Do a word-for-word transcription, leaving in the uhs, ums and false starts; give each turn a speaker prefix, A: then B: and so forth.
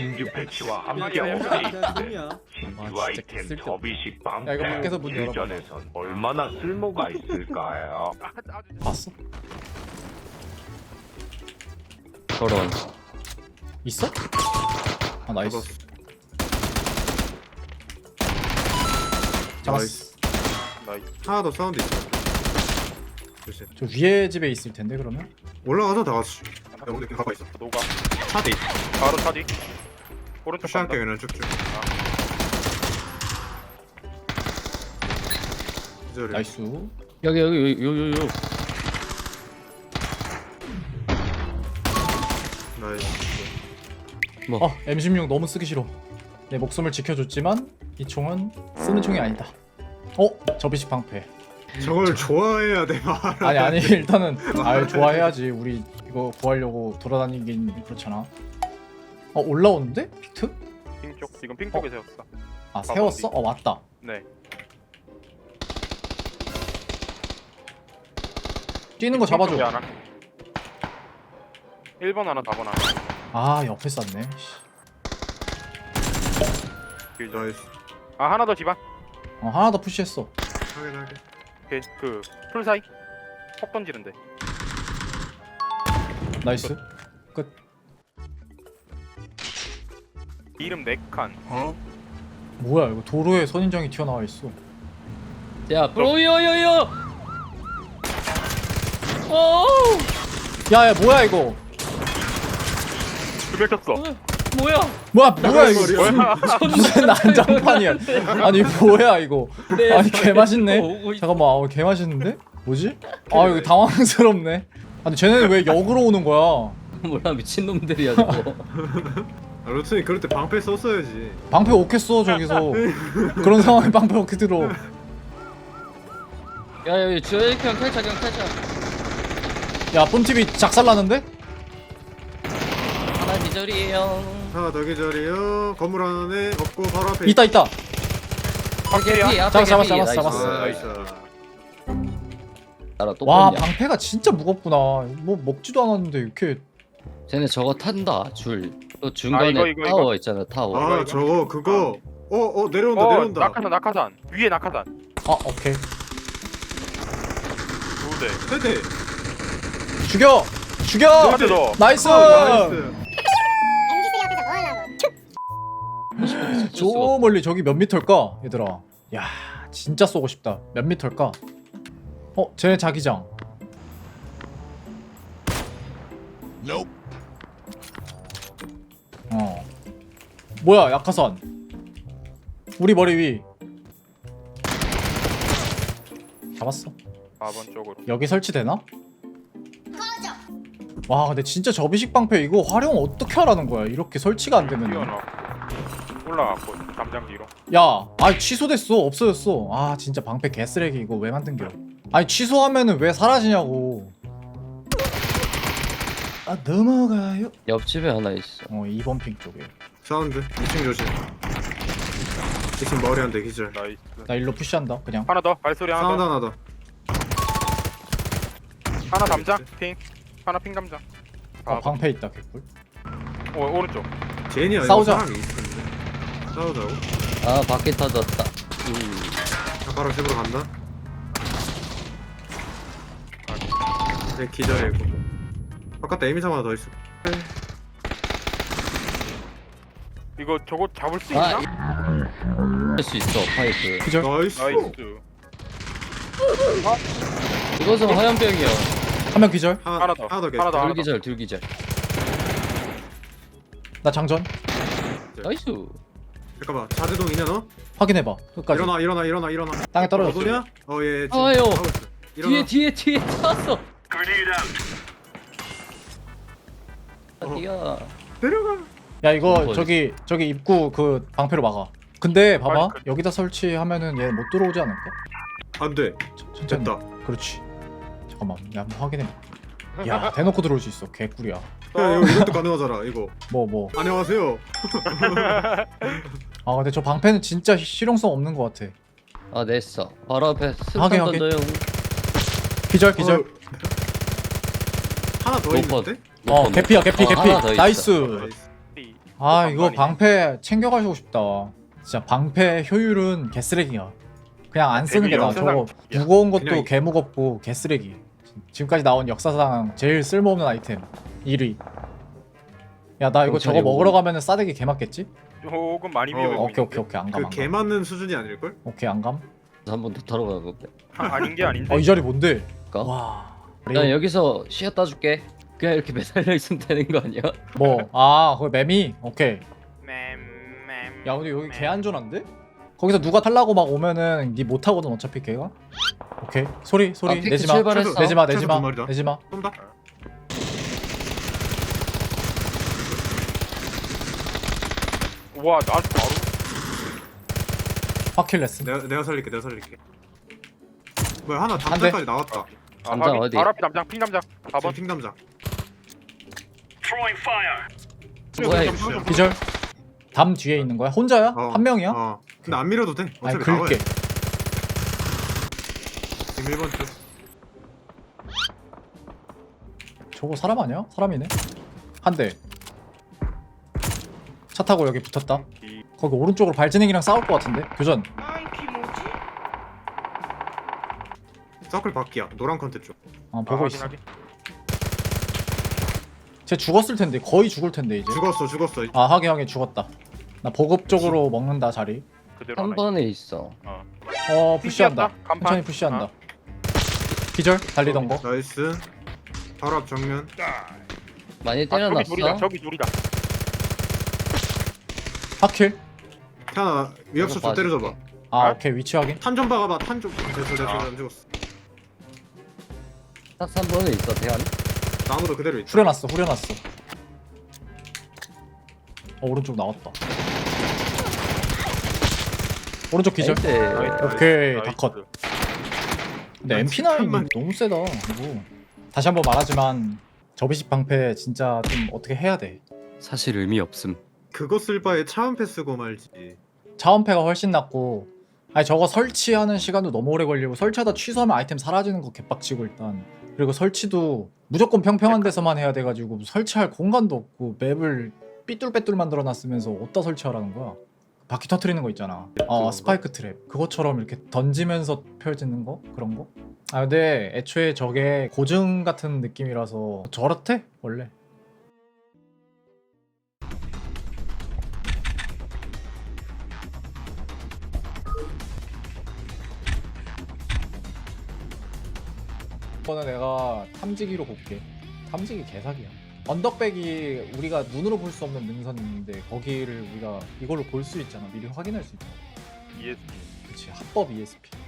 A: 신규 패치와 함께
B: 야,
A: 업데이트
B: 야,
A: 신규
C: 아,
A: 아이템
C: 진짜 쓸데없다.
A: 접이식
C: 야, 이거 밖에서 문 열어봐.
A: 실전에선 얼마나 쓸모가 있을까요?
C: 봤어?
D: 저런.
C: 있어? 아 나이스. 잡았어.
B: 하나 더 사운드 있어. 조심.
C: 저 위에 집에 있을 텐데 그러면?
B: 올라가서 다 같이. 야, 우리 가고 있어.
E: 노가
B: 차디.
E: 바로 차디 오른쪽
B: 푸시할게
E: 간다
B: 그냥 쭉쭉. 기절해.
C: 나이스.
D: 여기 여기 여기 여기 여기.
B: 나이스.
C: 어 엠 십육 너무 쓰기 싫어. 내 목숨을 지켜줬지만 이 총은 쓰는 총이 아니다. 어? 접이식 방패.
B: 저걸 좋아해야 돼 말.
C: 아니 아니 일단은 아 좋아해야지. 우리 이거 구하려고 돌아다니긴 그렇잖아. 어 올라오는데? 픽트?
E: 핑쪽 지금 핑 쪽에 세웠어
C: 아 세웠어? 어 왔다.
E: 네
C: 뛰는 거 잡아줘.
E: 핑쪽에 하나 일 번 하나 사 번 하나
C: 아 옆에 쌌네.
E: 길죠.
B: 나이스.
E: 아 하나 더 집안
C: 어 하나 더 푸시했어.
B: 확인하게.
E: 오케이 그풀 사이 폭 던지는데
C: 나이스. 끝.
E: 이름 네 칸
C: 뭐야 이거 도로에 선인장이 튀어나와 있어.
D: 야, 브로요요요. 오!
C: 야야 뭐야 이거?
E: 두개 쳤어
D: 뭐야?
C: 뭐야 뭐야 이거?
E: 뭐야
C: 무슨 난장판이야? 아니 뭐야 이거?
D: 네,
C: 아니 개 맛있네.
D: 오고 있-
C: 잠깐만, 아, 개 맛있는데? 뭐지? 아 이거 당황스럽네. 아니 쟤네는 왜 역으로 오는 거야?
D: 뭐야 미친 놈들이야 저거.
B: 아, 루트니 그럴 때 방패 썼어야지.
C: 방패 오겠어 저기서. 그런 상황에 방패 어떻게 들어?
D: 야 여기 주혁이 형 탈차 형 탈차.
C: 야 뿜티비 작살나는데?
D: 하나 기절이에요.
B: 하나 더 기절이요. 건물 안에 없고 바로 앞에.
C: 있다 있다.
D: 개피 앞에
C: 잡았어,
D: 개피.
C: 잡았어,
D: 나이스.
C: 잡았어.
B: 나이스.
D: 나라 또
C: 와
D: 뺐냐?
C: 방패가 진짜 무겁구나. 뭐 먹지도 않았는데 이렇게.
D: 쟤네 저거 탄다 줄. 또 중간에
E: 아, 이거, 이거,
D: 타워
E: 이거?
D: 있잖아 타워.
B: 아
E: 이거?
B: 저거 그거. 어 어 내려온다
E: 어
B: 내려온다.
E: 낙하산 낙하산 위에 낙하산
C: 아 오케이.
E: 두대
B: 세대.
C: 죽여 죽여.
E: 한대 더
C: 나이스.
B: 나이스.
C: 저 멀리 저기 몇 미터일까 얘들아. 야 진짜 쏘고 싶다. 몇 미터일까? 어 쟤네 자기장. 어 뭐야 약화선. 우리 머리 위. 잡았어.
E: 사 번 쪽으로
C: 여기 설치되나? 와 근데 진짜 접이식 방패 이거 활용 어떻게 하라는 거야. 이렇게 설치가 안 되면.
E: 뛰어나왔고 올라갔고 담장 뒤로
C: 야, 아 취소됐어. 없어졌어. 아 진짜 방패 개쓰레기 이거 왜 만든겨? 아니 취소하면은 왜 사라지냐고. 아 넘어가요.
D: 옆집에 하나 있어.
C: 어 이 번 핑 쪽에.
B: 사운드. 이 층 조심. 이 층 머리 한 대 기절.
E: 나이스
C: 나 일로 푸시한다. 그냥.
E: 하나 더 발소리 하나
B: 사운드
E: 더
B: 하나 더.
E: 하나 담장 핑 하나 핑 담장
C: 아
E: 아,
C: 방패 있다 개꿀.
E: 오, 오른쪽
B: 제니 아니고
C: 싸우자.
B: 사람이 있을 텐데. 싸우자고.
D: 아 바퀴 터졌다. 음.
B: 자, 바로 집으로 간다. 네 기절이고. 바깥에 에미상 하나 더 있어.
E: 이거 저거 잡을 수
D: 아,
E: 있나?
D: 할수 있어 파이프.
C: 기절.
B: 나이스.
E: 나이스
D: 이것은 화염병이야.
C: 한 명 기절.
E: 하나 더
B: 하나 더
E: 하나 더 하나
D: 둘
E: 더
D: 기절 둘 기절.
C: 나 장전.
D: 나이스.
B: 잠깐만 자제동 있냐 너?
C: 확인해봐. 끝까지.
B: 일어나 일어나 일어나 일어나.
C: 땅에 떨어졌어.
B: 어디냐? 어예.
D: 아유.
B: 일어나.
D: 뒤에 뒤에 뒤에 탔어. 어디야?
B: 내려가.
C: 야 이거
D: 어디?
C: 저기 저기 입구 그 방패로 막아. 근데 봐봐
E: 아니, 그-
C: 여기다 설치하면은 얘 못 들어오지 않을까?
B: 안돼.
C: 천- 천천히.
B: 됐다.
C: 그렇지. 잠깐만, 야 한번 확인해. 야 대놓고 들어올 수 있어. 개꿀이야.
B: 야 이거 이것도 가능하잖아 이거.
C: 뭐 뭐.
B: 안녕하세요.
C: 아 근데 저 방패는 진짜 실용성 없는 것 같아.
D: 아 냈어. 바로 앞에
C: 하게,
D: 스탄
C: 하게.
D: 던져요.
C: 기절 기절.
B: 어, 하나 더
D: 로퍼.
B: 있는데?
C: 어, 개피야 개피
D: 어,
C: 개피.
D: 하나 더 있어.
C: 나이스.
B: 나이스.
C: 아 아 이거
E: 반반이네.
C: 방패 챙겨가시고 싶다. 진짜 방패 효율은 개쓰레기야. 그냥 안 쓰는 게 나아. 저거
E: 역사상-
C: 무거운 것도
B: 그냥-
C: 개무겁고 개쓰레기. 지금까지 나온 역사상 제일 쓸모없는 아이템 일 위. 야 나 이거 저거
D: 경찰이
C: 먹으러
D: 오고.
C: 가면은 싸대기 개 맞겠지?
E: 조금 많이
B: 어,
E: 위험해
C: 오케이
E: 보이는데.
C: 오케이 오케이 안 감.
B: 그
C: 안
B: 개
C: 감.
B: 맞는 수준이 아닐걸?
C: 오케이 안 감.
D: 한 번 더 타러 가고.
E: 아, 아닌 게 아닌데.
C: 어 이 자리 뭔데?
D: 까?
C: 와.
D: 난 여기서 쉬었다 줄게. 그냥 이렇게 매달려 있으면 되는 거 아니야?
C: 뭐? 아 거기 매미? 오케이.
E: 맴맴.
C: 야 근데 여기 개 안전한데? 거기서 누가 탈라고 막 오면은 니 못 타거든 어차피 걔가. 오케이 소리 소리
D: 아, 픽스
C: 내지마
D: 출발했어.
C: 내지마
B: 최소
C: 내지마
B: 두 마리다.
C: 내지마.
B: 쏜다.
E: 와, 나 바로.
C: 파킬레스.
B: 내가 내가 살릴게. 내가 살릴게. 뭐야 하나
C: 한 대.
B: 담장까지 나왔다.
E: 아,
D: 담장
E: 확인.
D: 어디?
E: 바로 앞에 담장, 핑 담장. 사 번.
B: 핑 담장.
D: 뭐야,
B: 핑
D: 이거.
B: 담장.
C: 기절. 담 뒤에 있는 거야? 혼자야?
B: 어,
C: 한 명이야?
B: 어. 근데 안 밀어도 돼.
C: 아니
B: 어차피
C: 긁게.
B: 나와요. 지금 일 번 쪽.
C: 저거 사람 아니야? 사람이네. 한 대. 차 타고 여기 붙었다.
E: 이-
C: 거기 오른쪽으로 발진행이랑 싸울 것 같은데. 교전.
B: 서클 바퀴야. 노란 컨텐츠 쪽.
C: 어
E: 아,
C: 보고
E: 확인,
C: 있어.
E: 확인.
C: 쟤 죽었을 텐데 거의 죽을 텐데 이제.
B: 죽었어. 죽었어.
C: 아 하게 하게 죽었다. 나 보급 쪽으로 먹는다 자리.
E: 그대로
D: 한
E: 하나
D: 번에 있어.
C: 어 푸시한다.
E: 핑계였다, 간판.
C: 천천히 푸시한다. 기절 달리던 거.
B: 나이스. 바로 앞 정면.
D: 많이
E: 아, 저기
D: 때려놨어.
E: 둘이다. 저기 둘이다.
C: 하킬.
B: 태연아 위협수 좀
D: 봐줄게.
B: 때려줘봐.
C: 아
E: 아?
C: 오케이 위치 확인.
B: 탄 좀 박아봐. 탄 좀. 됐어 됐어.
E: 아.
B: 안 죽었어.
D: 딱 삼 번에 있어 대한.
B: 나무도 그대로 있다.
C: 후려놨어 후려놨어. 어 오른쪽 나왔다. 오른쪽 기절.
D: 나이스.
C: 오케이
E: 나이스.
C: 다 컷. 근데
B: 난
C: 엠피 나인
B: 칠판만
C: 너무 세다 이거. 다시 한번 말하지만 접이식 방패 진짜 좀 어떻게 해야 돼.
D: 사실 의미 없음.
B: 그거 쓸 바에 차원패 쓰고 말지.
C: 차원패가 훨씬 낫고. 아니 저거 설치하는 시간도 너무 오래 걸리고 설치하다 취소하면 아이템 사라지는 거 개빡치고 일단. 그리고 설치도 무조건 평평한 데서만 해야 돼가지고 설치할 공간도 없고 맵을 삐뚤빼뚤 만들어놨으면서 어디다 설치하라는 거야. 바퀴 터트리는 거 있잖아. 어
B: 그거?
C: 스파이크 트랩 그것처럼 이렇게 던지면서 펼치는 거 그런 거. 아 근데 애초에 저게 고증 같은 느낌이라서 저렇대 원래. 이거는 내가 탐지기로 볼게. 탐지기 개사기야. 언덕백이 우리가 눈으로 볼 수 없는 능선인데 거기를 우리가 이걸로 볼 수 있잖아. 미리 확인할 수 있잖아.
E: 이에스피.
C: 그치 합법 이에스피.